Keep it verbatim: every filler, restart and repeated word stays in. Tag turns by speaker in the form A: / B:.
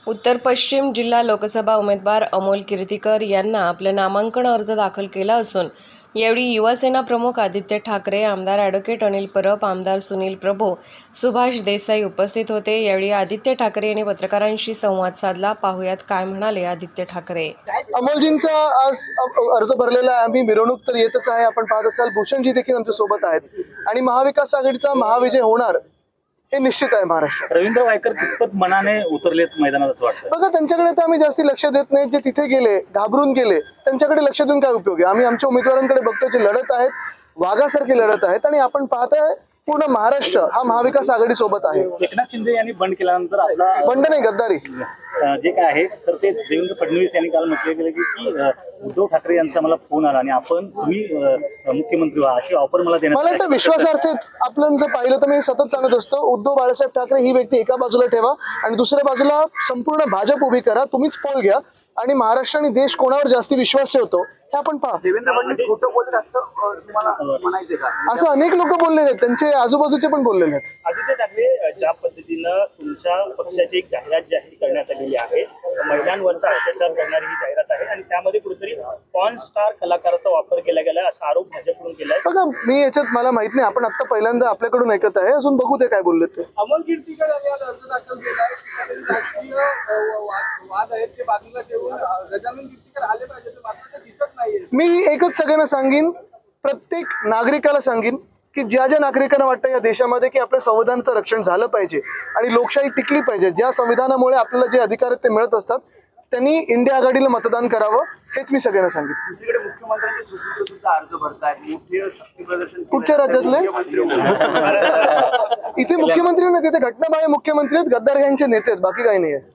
A: उत्तर पश्चिम जिल्हा लोकसभा उमेदवार अमोल कीर्तीकर यांना आपलं नामांकन अर्ज दाखल केला असून यावेळी युवासेना प्रमुख आदित्य ठाकरे, आमदार ॲडव्होकेट अनिल परब, आमदार सुनील प्रभू, सुभाष देसाई उपस्थित होते। यावेळी आदित्य ठाकरे यांनी पत्रकारांशी संवाद साधला। पाहुयात काय म्हणाले आदित्य ठाकरे।
B: अमोलजींचा आज अर्ज भरलेला आहे। आम्ही मिरवणूक तर येतच आहे। आपण पाहत असाल भूषणजी देखील आमच्या सोबत आहेत आणि महाविकास आघाडीचा महाविजय होणार हे निश्चित आहे। महाराष्ट्रात
C: रवींद्र वायकर कितपत मनाने उतरलेत मैदानात असं वाटतं?
B: बघा, त्यांच्याकडे तर आम्ही जास्ती लक्ष देत नाही। जे तिथे गेले, घाबरून गेले, त्यांच्याकडे लक्ष देऊन काय उपयोग आहे? आम्ही आमच्या उमेदवारांकडे बघतो, जे लढत आहेत वाघासारखे लढत आहेत आणि आपण पाहताय पूर्ण महाराष्ट्र हा महाविकास आघाडी सोबत आहे।
C: एकनाथ शिंदे यांनी बंड केल्यानंतर आपला
B: बंड नाही, गद्दारी
C: जे काय आहे तर ते देवेंद्र फडणवीस यांनी काल म्हटले गेले की उद्धव ठाकरे यांचा मला फोन आला आणि आपण तुम्ही मुख्यमंत्री व्हा अशी ऑफर मला देण्यात
B: मला वाटतं विश्वासार्थ आपण जर पाहिलं तर मी सतत सांगत असतो, उद्धव बाळासाहेब ठाकरे ही व्यक्ती एका बाजूला ठेवा आणि दुसऱ्या बाजूला संपूर्ण भाजप उभी करा। तुम्हीच पोल घ्या आणि महाराष्ट्र आणि देश कोणावर जास्ती विश्वास ठेवतो हे आपण पहा।
D: देवेंद्र फडणवीस खोटं बोलत असतं तुम्हाला म्हणायचे का?
B: असं अनेक लोक बोललेले आहेत, त्यांचे आजूबाजूचे पण बोललेले आहेत।
C: आदित्य ठाकरे, ज्या पद्धतीनं तुमच्या पक्षाची एक जाहिरात जाहीर करण्यात आलेली आहे, महिलांवरचा अत्याचार करणारी ही जाहिरात आहे आणि त्यामध्ये कुठेतरी पॉर्न स्टार कलाकाराचा वापर केला गेला असा आरोप भाजपकडून केलाय।
B: बघा, मी याच्यात मला माहित नाही, आपण आता पहिल्यांदा आपल्याकडून ऐकत आहे, अजून बघू ते काय बोलले ते।
D: अमोल कीर्तीकर यांनी आज अर्ज दाखल केला आहे। राजकीय वाद आहेत ते बाजूला ठेवून गजानन कीर्तीकर आले पाहिजे, मात्र ते दिसत नाहीये।
B: मी एकच सगळ्यांना सांगेन, प्रत्येक नागरिकाला सांगेन की ज्या ज्या नागरिकांना वाटतं या देशामध्ये की आपल्या संविधानाचं रक्षण झालं पाहिजे आणि लोकशाही टिकली पाहिजे, ज्या संविधानामुळे आपल्याला जे अधिकार आहेत ते मिळत असतात, त्यांनी इंडिया आघाडीला मतदान करावं, हेच मी सगळ्यांना सांगितलं।
D: दुसरीकडे मुख्यमंत्र्यांचे सुपुत्र सुद्धा अर्ज भरतायत, मोठे शक्ती प्रदर्शन
B: कुठच्या राज्यातले? इथे मुख्यमंत्री नाही, तिथे घटनाबाह्य मुख्यमंत्री आहेत, गद्दार यांचे नेते आहेत, बाकी काही नाही आहे।